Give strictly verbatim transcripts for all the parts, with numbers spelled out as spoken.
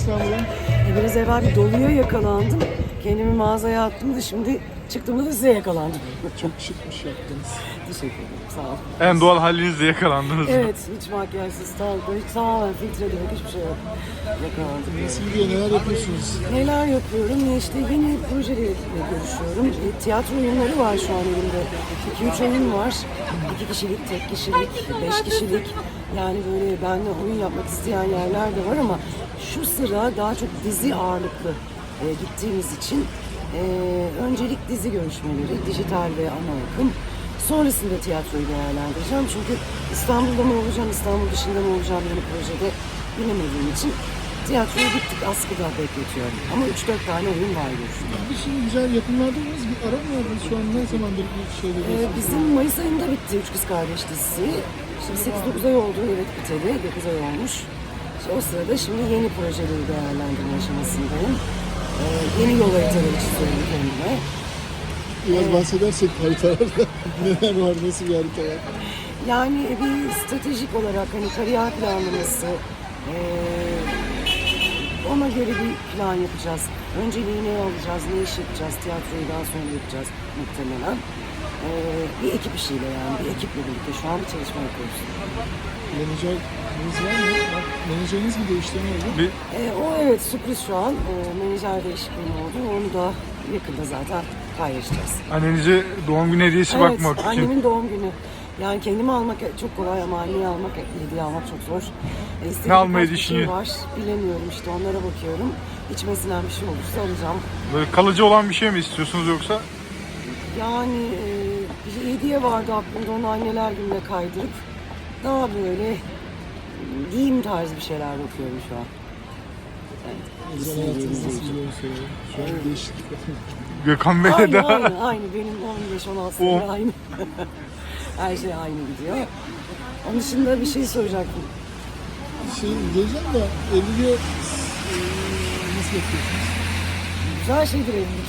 İstanbul'a? E, biraz evvel bir doluya yakalandım. Kendimi mağazaya attım da şimdi çıktığımda da size yakalandım. Çok şık bir şey yaptınız. Teşekkür ederim. Sağ olun. En doğal halinizle yakalandınız. Evet, hiç makyajsız, sağlıklı, hiç tamamen filtre yok, hiçbir şey yok. Yakalandım. Nasıl gidiyor? Neler yapıyorsunuz? Neler yapıyorum? Ya işte yeni projelerle görüşüyorum. E, tiyatro oyunları var şu an elimde. iki üç oyun var. iki kişilik, tek kişilik, beş kişilik. Yani böyle benimle oyun yapmak isteyen yerler de var ama şu sıra daha çok dizi ağırlıklı e, gittiğimiz için e, öncelik dizi görüşmeleri, dijital ve ana akım. Sonrasında tiyatroyu değerlendireceğim. Çünkü İstanbul'da mı olacağım, İstanbul dışında mı olacağım yeni projede bilemediğim için tiyatroyu gittik askıda bekletiyorum. Ama üç dört tane oyun var görüşümde. Bir şimdi güzel yapımlarda mıyız? Bir ara mı verdiniz? Şu an ne zamandır bir şeyde? Ee, bizim Mayıs ayında bitti Üç Kız Kardeş dizisi. Şimdi sekiz dokuz ay oldu, evet biteli, dokuz ay olmuş. İşte o sırada şimdi yeni projeleri değerlendirme aşamasındayım. Ee, yeni yol haritaları çiziyorum kendime. Biraz bahsedersek haritalarda neler var, nasıl bir harita var? Yani bir stratejik olarak hani kariyer planlaması, ee, ona göre bir plan yapacağız. Önceliği ne alacağız, ne iş yapacağız, tiyatroyu daha sonra yapacağız muhtemelen. Ee, bir ekip işiyle yani, bir ekiple birlikte şu an bir çalışma yapıyoruz. Menajeriniz var mı? Bak, menajeriniz mi değişti, ne oldu? Bir Ee, o evet sürpriz şu an. Ee, menajer değişikliği oldu. Onu da yakında zaten paylaşacağız. annenize doğum günü hediyesi Evet, bakmak için. annemin doğum günü. Yani kendimi almak çok kolay ama anneyi almak, hediye almak çok zor. E, istediğim Ne almayı birkaç bir şey düşünüyor? var. Bilemiyorum işte onlara bakıyorum. İçmesinden bir şey olursa alacağım. Böyle kalıcı olan bir şey mi istiyorsunuz yoksa? Yani e, bir hediye vardı aklımda, onu anneler gününe kaydırıp daha böyle giyim tarzı bir şeyler bakıyorum şu an. Evet. Özel hayatınızda sizlere soralım. Şu an değişiklik var. Gökhan Bey'le Aynı, daha... aynı, aynı. Benim on beş on altı O- sene aynı. Her şey aynı gidiyor. Onun dışında bir şey soracaktım. Şey diyeceğim de evliliğe e, nasıl yapıyorsunuz? Güzel şeydir evlilik.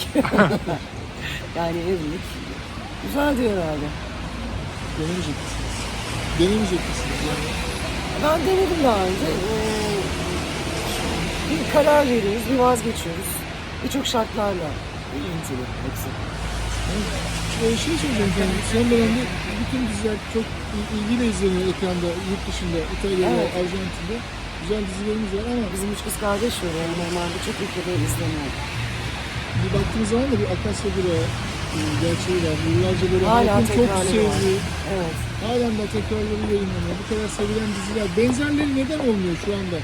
Yani evlilik güzel diyor herhalde. Denemeyecek misiniz? Denemeyecek misiniz yani? Ben denedim daha önce. Ee, bir karar veriyoruz, bir vazgeçiyoruz. Birçok şartlarla ilintili hepsi. Ee, şey söyleyeceğim efendim, son dönemde bütün diziler çok il- ilgiyle izleniyor ekranda, yurt dışında, İtalya'da, Evet. Arjantin'de. Güzel dizilerimiz var ama Bizim üç kız kardeş var. Yani normalde çok ülkede izleniyor. bir baktığımız zaman da bir Akasya Bira e, gerçeği var. Yıllarca böyle Hala halkın çok tekrarları var. sevdiği, Evet. halen de tekrarları yayınlanıyor. Bu kadar sevilen diziler. Benzerleri neden olmuyor şu anda?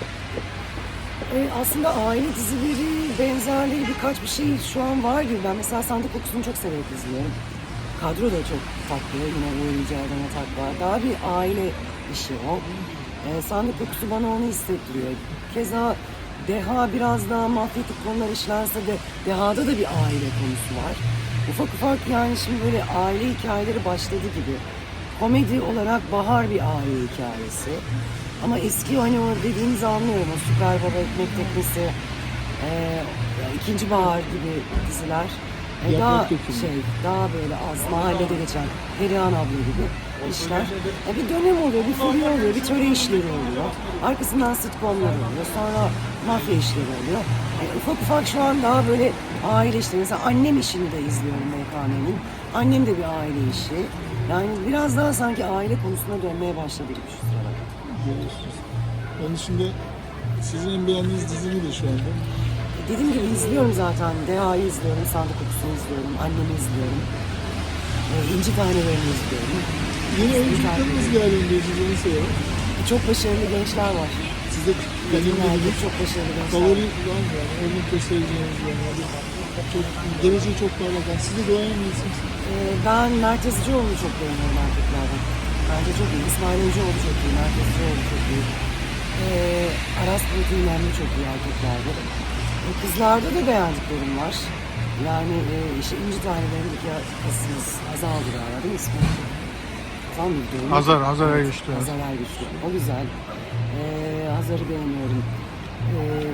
Ee, aslında aile dizileri, benzerleri birkaç bir şey şu an var gibi. Ben mesela Sandık Kokusu'nu çok severek izliyorum. Kadro da çok tatlı. Yine Uğur Yücel'den Atak var. Daha bir aile işi o. Ee, Sandık Kokusu bana onu hissettiriyor. Keza Deha biraz daha mafyatik konular işlense de Deha'da da bir aile konusu var. Ufak ufak yani şimdi böyle aile hikayeleri başladı gibi. Komedi olarak Bahar bir aile hikayesi. Ama eski hani o dediğinizi anlıyorum. O Süper Baba, Ekmek Teknesi, e, İkinci Bahar gibi diziler. E, Yaprak daha Dökümü. şey, daha böyle az mahallede geçen Perihan abla gibi işler. E, bir dönem oluyor, bir furya oluyor, bir töre işleri oluyor. Arkasından sitcomlar oluyor, sonra mafya işleri oluyor. E, ufak ufak şu an daha böyle aile işleri. Mesela annem işini de izliyorum M K M'nin. Annem de bir aile işi. Yani biraz daha sanki aile konusuna dönmeye başladı gibi şu sıralar. Görüyorsunuz. Onun dışında sizin en beğendiğiniz dizi nedir şu anda? Dediğim gibi izliyorum zaten. Deha'yı izliyorum, Sandık Kokusu'nu izliyorum, annemi izliyorum. E, İnci Tanelerini izliyorum. Yeni oyunculuklarınız değerlendirici nasıl ya? Çok başarılı gençler var. Size Kadınlarda benim çok başarılı gençler favori var. var mı yani? Örnek göstereceğiniz yani. Çok, geleceği çok parlak. Yani siz de duayen miyisiniz? E, ben Mert Yazıcıoğlu'nu çok beğeniyorum erkeklerden. Bence çok iyi. İsmail Hocaoğlu çok iyi, Mert Yazıcıoğlu çok iyi. E, Aras Bulut İynemli çok iyi erkeklerde. E, kızlarda da beğendiklerim var. Yani e, işte İnci Tanelerindeki kızımız Hazal'dı galiba değil mi ismi? Hazal mıydı? Doğru mu? Hazar, Hazar Ergüçlü, evet. Hazar Ergüçlü. O güzel. E, Hazar'ı beğeniyorum. E,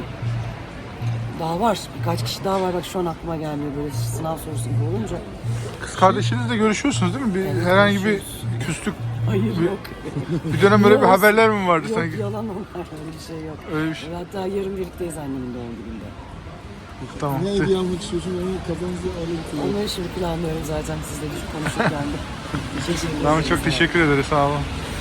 daha var. Birkaç kişi daha var. Bak şu an aklıma gelmiyor böyle sınav sorusu gibi olunca. Kız kardeşinizle görüşüyorsunuz değil mi? Bir, Evet, herhangi bir görüşüyoruz. küslük Hayır yok. Bir dönem böyle bir Yok. haberler mi vardı Yok sanki? yalan onlar, öyle bir şey yok. Öyle bir şey. Hatta yarın birlikteyiz annemin doğum gününde. Tamam. Ne hediye almak istiyorsun? Onu kafanızda alın. Onları şimdi planlıyorum zaten sizle konuşurken de. Teşekkür ederim. Tamam, çok teşekkür ederiz. Sağ olun.